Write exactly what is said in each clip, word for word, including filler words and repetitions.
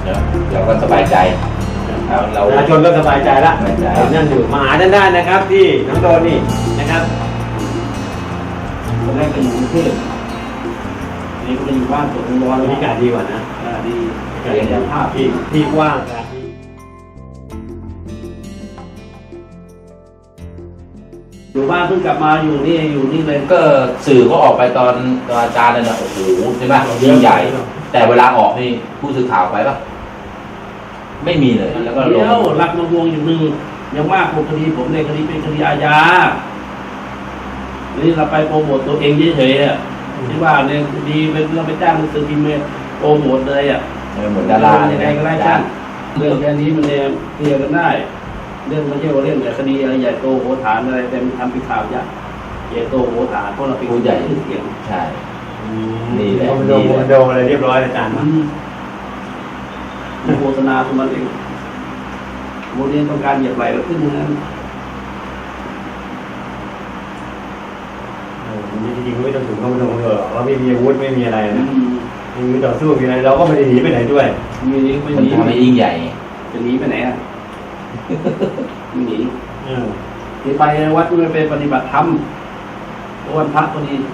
เราก็สบายใจเราประชาชนก็สบายใจละนั่นอยู่มาหาท่านได้นะครับที่น้องโดนนี่นะครับคนแรกก็อยู่กรุงเทพนี่ก็ไปอยู่บ้านสวนร้อนบรรยากาศดีกว่านะดีกายภาพที่ที่กว้างอยู่บ้านเพิ่งกลับมาอยู่นี่อยู่นี่เลยก็สื่อก็ออกไปตอนตอนอาจารย์เลยนะโอ้โหใช่ไหมยิ่งใหญ่แต่เวลาออกนี่ผู้สื่อข่าวไปปะไม่มีเลยแล้วก็ลงเดี๋ยวรักมาวงอยู่หนึ่งยังมากกว่าคดีผมในคดีเป็นคดีอาญานี่เราไปโปรโมทตัวเองเฉยๆอ่ะที่ว่าเนี่ยคดีเป็นเราไปจ้างหนังสือพิมพ์โปรโมทเลยอ่ะเหมือนดารายังไงก็ได้จ้างเรื่องแค่นี้มันเนี่ยเคลียร์กันได้เรื่องไม่ใช่ว่าเรื่องคดีอะไรใหญ่โตโหฐานอะไรแต่มันทำเป็นข่าวใหญ่ใหญ่โตโหฐานเพราะเราเป็นผู้ใหญ่ชื่อเสียงใช่นี่แหละโดนโดนอะไรเรียบร้อยอาจารย์โฆษณาของมันเองโมเดลต้องการเหยียบไหลแล้วขึ้นนั้นจริงๆไม่ต้องถึงเข้ามาตรงเถอะเราไม่มีอาวุธไม่มีอะไรนะไม่มีต่อสู้มีอะไรเราก็ไม่ได้หนีไปไหนด้วยมีนี้ไม่หนีไม่ยิ่งใหญ่จะหนีไปไหนอ่ะไม่หนีหนีไปวัดไม่ไปปฏิบัติธรรมวันพระพอดี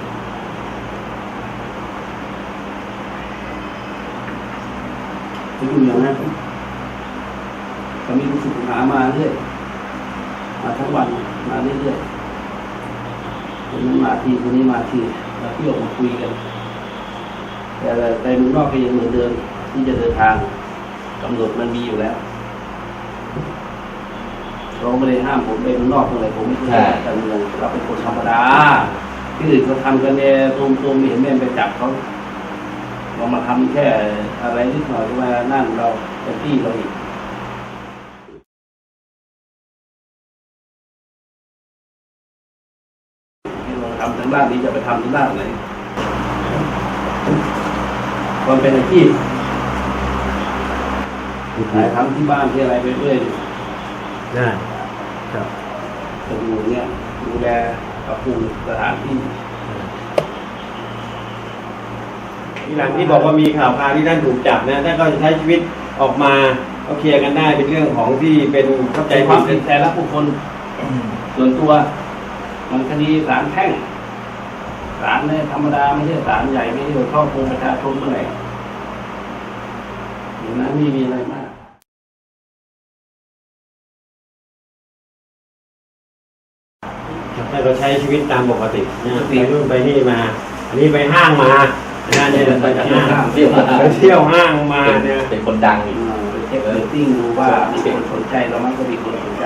จะอยู่อย่างนั้นก็มีลูกศิษย์หามาเรื่อยมาทั้งวันมาเรื่อยๆคนนั้นมาทีคนนี้มาทีแล้วที่ออกมาคุยกันแต่ไปเมืองนอกก็ยังเหมือนเดิมที่จะเดินทางกำหนดมันมีอยู่แล้วเราไม่ได้ห้ามผมไปเมืองนอกอะไรผมไม่ใช่การเมืองเราเป็นคนธรรมดาที่อื่นเขาทำกันเนี่ยตูมตูมเห็นแม่ไปจับเขาเรามาทำแค่อะไรนิดหน่อยว่านั่นเราเป็นที่เราอีกเราทำทางด้านนี้จะไปทำทางด้านไหนความเป็นอาชีพขายทำที่บ้านที่อะไรไปเรื่อยได้ครับจะดูเนี่ยดูแลปรับปรุงสถานที่ที่หลังที่บอกว่ามีข่าวคราวที่ท่านถูกจับนะท่านก็จะใช้ชีวิตออกมาก็เคลียร์กันได้เป็นเรื่องของที่เป็นเข้าใจความเป็นแต่ละบุคคลส่วนตัวมันคดีศาลแพ่งศาลเนี่ยธรรมดาไม่ใช่ศาลใหญ่ไม่ใช่ครอบครัวประชาชนเมื่อไหร่อย่างนั้นไม่มีอะไรมากถ้าเราใช้ชีวิตตามปกติเนี่ยไปนู่นไปนี่มาอันนี้ไปห้างมาเนี่ยเนี่ยไปห้างเที่ยวไปเที่ยวห้างมาเนี่ยเป็นคนดังอยู่เช็คเรตติ้งดูว่ามีคนสนใจเรามันก็มีคนสนใจ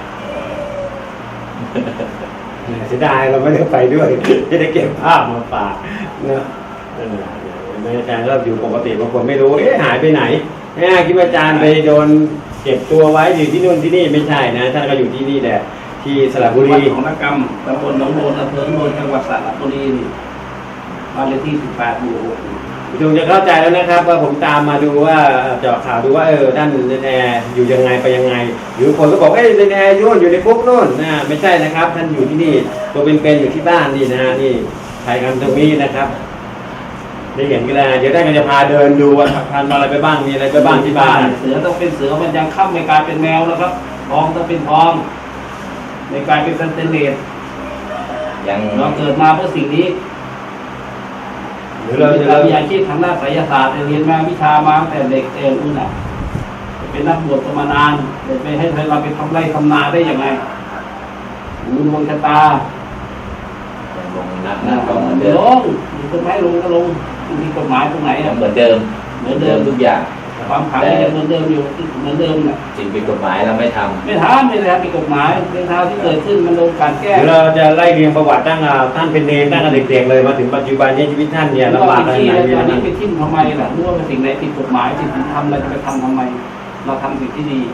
เสียดายเราไม่ได้ไปด้วยจะได้เก็บภาพมาฝากเนาะอาจารย์ก็อยู่ปกติบางคนไม่รู้เอ๊ะหายไปไหนเนี่ยคิดว่าอาจารย์ไปโดนเก็บตัวไว้อยู่ที่นู่นที่นี่ไม่ใช่นะท่านก็อยู่ที่นี่แหละที่สระบุรีของนักกรรมตำบลหนองโนนอำเภอโนนจังหวัดสระบุรีบ้านเลขที่สิบแปดหมู่หกคงจะเข้าใจแล้วนะครับว่าผมตามมาดูว่าเจาะข่าวดูว่าเออท่านแนอยู่ยังไงไปยังไงหรือคนก็บอกเอ้ยแนยุ่นอยู่ในคุกโน่นนะไม่ใช่นะครับท่านอยู่ที่นี่ตัวเป็นๆอยู่ที่บ้านนี่นะฮะนี่ถ่ายกันตรงนี้นะครับได้เห็นกันแล้วเดี๋ยวท่านก็จะพาเดินดูว่าทานอะไรไปบ้างมีอะไรไปบ้างที่บ้านเสือต้องเป็นเสือมันยังค่ำไม่กลายเป็นแมวแล้วครับทองต้องเป็นทองในกลายเป็นสแตนเลสยังเราเกิดมาเพื่อสิ่งนี้หรือเราจะมีอาชีพทางด้านไสยศาสตร์เรียนมาวิชามาตั้งแต่เด็กเองนู่นน่ะเป็นนักบวชมานานเด็กไปให้เราไปทำไรทำนาได้ยังไงดูดวงชะตาลงนักนักก็เหมือนเดิมลงมีกฎหมายลงก็ลงมีกฎหมายตรงไหนเหมือนเดิมเหมือนเดิมทุกอย่างความขังยังเหมือนเดิมอยู่เหมือนเดิมน่ะสิ่งผิดกฎหมายเราไม่ทำไม่ทำไม่ได้ทำผิดกฎหมายเรื่องราวที่เกิดขึ้นมันโดนการแก้เราจะไล่เรียงประวัติตั้งท่านเป็นเนรตั้งแต่เด็กๆเลยมาถึงปัจจุบันนี้ชีวิตท่านเนี่ยลำบากอะไรไหนตอนนี้ไปทิ้งทำไมล่ะรู้ว่าเป็นสิ่งไหนผิดกฎหมายสิ่งที่ทำเราจะไปทำทำไมเราทำสิ่งที่ดี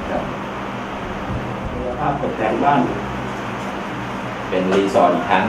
ภาพตกแต่งบ้านเป็นรีสอร์ทอีกครั้ง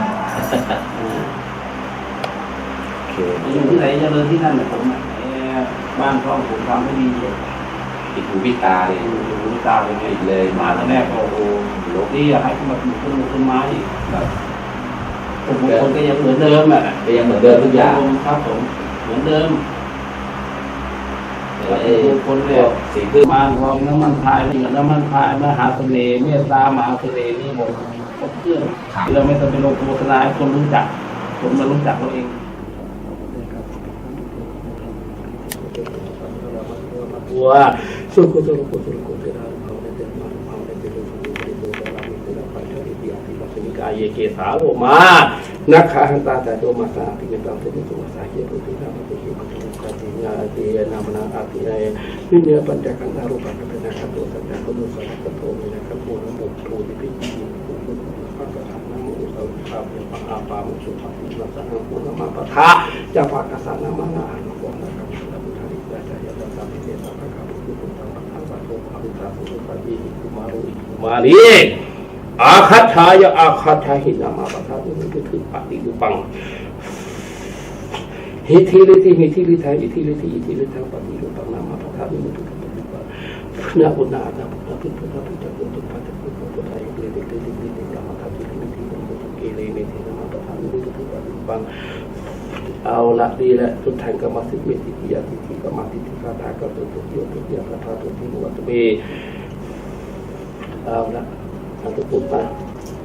อยู่ที่ไหนจะเดินที่นั่นแหละผมบ้านช่องผมทำให้ดีติดหูพิตาเลยติดหูพิตาเลยติดเลยมาตอนแรกโอ้โหโลกนี้ให้ขึ้นมาปลูกต้นต้นไม้แบบทุกคนก็ยังเหมือนเดิมอ่ะก็ยังเหมือนเดิมทุกอย่างครับผมเหมือนเดิมวัตถุมงคลเนี่ยสีพึ่งมารทองน้ำมันพายเหมือนน้ำมันพายมหาเสน่ห์เมตตามหาเสน่ห์นี่หมดครบเครื่องเราไม่ต้องไปลงโฆษณาให้คนรู้จักคนมารู้จักเราเองว่าสุขสุขสุขสุขสุขเราเราได้เป็นมาเราได้เป็นลูกผู้ได้เป็นเราเป็นเราไปเท่าที่เดียวที่เราเป็นกายเกสาโลมานักขันตาแต่โดมาสาที่เป็นเราเป็นตัวสาเหตุที่เราเป็นเหตุของการที่ญาตินามนาอาทิเนวิญญาปัญจขันธารูปะเป็นนะครับตัวสัจจะตัวสัจจะตัวนี้นะครับตัวนั้นตัวตัวที่เป็นจริงตัวตัวพระกษัตริย์นามอุตสาหภาพเป็นพระอาปามุสุภาพิรัสนาภูนมาปะทะจะพระกษัตริย์นามานาอนุโมทนาครับพระพุทธริยาจายตสัมมิเทสัพพะครับพุทธังธรรมังสังฆังอภิธาสุปฏิกุมารุอิกุมารีอาคัตถายะอาคัตถาหินามาปะทะตุนิคือปฏิรูปังหิทิลิติหิทิลิทาหิทิลิติหิทิลิทาปฏิรูปังนามาปะทะตุนิคือปฏิรูปังนะอุณาตาพุทธะพุทธะพุทธะพุทธะพุทธะพุทธะพุทธะอิติติติติตินามาปะทะตุนิคือปฏิรูปังเกเรเมตินามาปะทะตุนิคือปฏิรูปังเอาละดีละทุกท่านก็มาสิมิติยาติที่ก็มาติที่คาถาก็ตัวตัวเดียวตัวเดียวคาถาตัวที่วัตถุเบเอาละเอาตัวปุ๊บมา